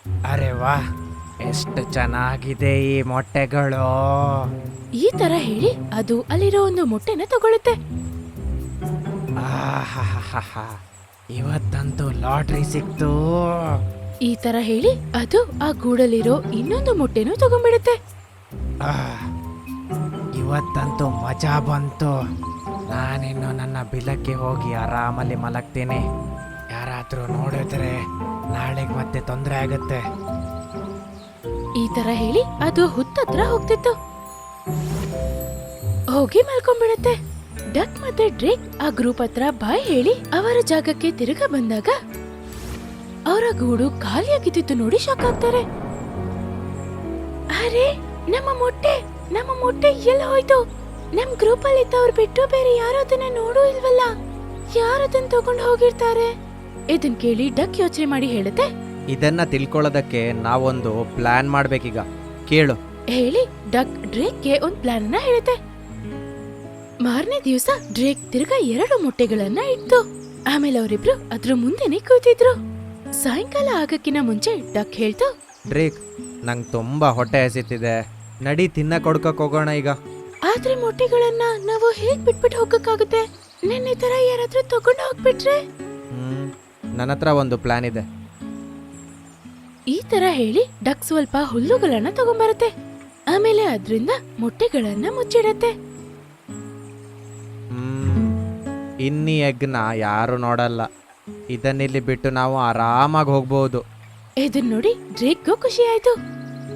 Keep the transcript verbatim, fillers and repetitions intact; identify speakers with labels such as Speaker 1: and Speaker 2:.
Speaker 1: ಅರೆ ವಾ, ಎಷ್ಟು ಚೆನ್ನಾಗಿದೆ ಈ ಮೊಟ್ಟೆಗಳು.
Speaker 2: ಈ ತರ ಹೇಳಿ ಅದು ಅಲ್ಲಿರೋ ಒಂದು ಮೊಟ್ಟೆನ ತಗೊಳುತ್ತೆ.
Speaker 1: ಆಹಾಹಾಹಾ, ಇವತ್ತಂತೂ ಲಾಟ್ರಿ ಸಿಕ್ತು.
Speaker 2: ಈ ತರ ಹೇಳಿ ಅದು ಆ ಗೂಡಲ್ಲಿರೋ ಇನ್ನೊಂದು ಮೊಟ್ಟೆನೂ ತಗೊಂಡ್ಬಿಡುತ್ತೆ.
Speaker 1: ಆಹ್, ಇವತ್ತಂತೂ ಮಜಾ ಬಂತು. ನಾನಿನ್ನು ನನ್ನ ಬಿಲಕ್ಕೆ ಹೋಗಿ ಆರಾಮಲ್ಲಿ ಮಲಗ್ತೀನಿ. ಯಾರಾದ್ರೂ ನೋಡಿದ್ರೆ ನಾಳೆಗೆ ಮತ್ತೆ ತೊಂದರೆ ಆಗುತ್ತೆ.
Speaker 2: ಈ ತರ ಹೇಳಿ ಅದು ಹುತ್ತತ್ರ ಹೋಗ್ತಿತ್ತು. ಹೋಗಿ ಮಲ್ಕೊಂಡ್ಬಿಡತ್ತೆ. ಡಕ್ ಮತ್ತೆ ಡ್ರೇಕ್ ಆ ಗ್ರೂಪ್ ಹತ್ರ ಬಾಯ್ ಹೇಳಿ ಅವರ ಜಾಗಕ್ಕೆ ತಿರುಗ ಬಂದಾಗ ಅವರ ಗೂಡು ಖಾಲಿಯಾಗಿದ್ದು ನೋಡಿ ಶಾಕ್ ಆಗ್ತಾರೆ. ಅರೆ, ನಮ್ಮ ಮೊಟ್ಟೆ ನಮ್ಮ ಮೊಟ್ಟೆ ಎಲ್ಲ ಹೋಯ್ತು. ನಮ್ ಗ್ರೂಪ್ ಅಲ್ಲಿ ಇದ್ದವ್ರು ಬಿಟ್ಟು ಬೇರೆ ಯಾರು ಅದನ್ನ ನೋಡೂ ಇಲ್ವಲ್ಲ. ಯಾರು ಅದನ್ನ ತಗೊಂಡು ಹೋಗಿರ್ತಾರೆ? ಇದನ್ ಕೇಳಿ ಡಕ್ ಯೋಚನೆ ಮಾಡಿ ಹೇಳುತ್ತೆ.
Speaker 1: ಇದನ್ನ ತಿಳ್ಕೊಳ್ಳೋದಕ್ಕೆ ನಾವೊಂದು ಪ್ಲಾನ್ ಮಾಡ್ಬೇಕೀಗ, ಕೇಳು.
Speaker 2: ಹೇಳಿ ಡಕ್ ಡ್ರೇಕ್ಗೆ ಒಂದ್ ಪ್ಲಾನ್ ಅನ್ನ ಹೇಳುತ್ತೆ. ಮಾರನೇ ದಿವಸ ಡ್ರೇಕ್ ತಿರ್ಗಾ ಎರಡು ಮೊಟ್ಟೆಗಳನ್ನ ಇಟ್ಟು ಆಮೇಲೆ ಅವರಿಬ್ರು ಅದ್ರ ಮುಂದೆನೆ ಕೂತಿದ್ರು. ಸಾಯಂಕಾಲ ಆಗಕ್ಕಿನ ಮುಂಚೆ ಡಕ್ ಹೇಳ್ತು,
Speaker 1: ಡ್ರೇಕ್, ನಂಗೆ ತುಂಬಾ ಹೊಟ್ಟೆ ಹಸಿತಿದೆ, ನಡಿ ತಿನ್ನ ಕೊಡ್ಕಕ್ ಹೋಗೋಣ ಈಗ.
Speaker 2: ಆದ್ರೆ ಮೊಟ್ಟೆಗಳನ್ನ ನಾವು ಹೇಗ್ ಬಿಟ್ಬಿಟ್ಟು ಹೋಗಕ್ಕಾಗುತ್ತೆ? ನಿನ್ನೆ ತರ ಯಾರಾದ್ರೂ ತಗೊಂಡು ಹೋಗ್ಬಿಟ್ರೆ?
Speaker 1: ಹ್ಮ್ ನನ್ನ ಹತ್ರ ಒಂದು ಪ್ಲಾನ್ ಇದೆ.
Speaker 2: ಈ ತರ ಹೇಳಿ ಡಕ್ ಸ್ವಲ್ಪ ಹುಲ್ಲುಗಳನ್ನ ತಗೊಂಬರುತ್ತೆ. ಆಮೇಲೆ ಅದ್ರಿಂದ ಮೊಟ್ಟೆಗಳನ್ನ ಮುಚ್ಚಿಡತ್ತೆ.
Speaker 1: ಹ್ಮ್ ಇನ್ನಿ ಎಗ್ನ ಯಾರು ನೋಡಲ್ಲ. ಇದನ್ನಿಲ್ಲಿ ಬಿಟ್ಟು ನಾವು ಆರಾಮಾಗಿ ಹೋಗ್ಬೋದು.
Speaker 2: ಇದನ್ ನೋಡಿ ಡ್ರೇಕ್ಗೂ ಖುಷಿ ಆಯ್ತು.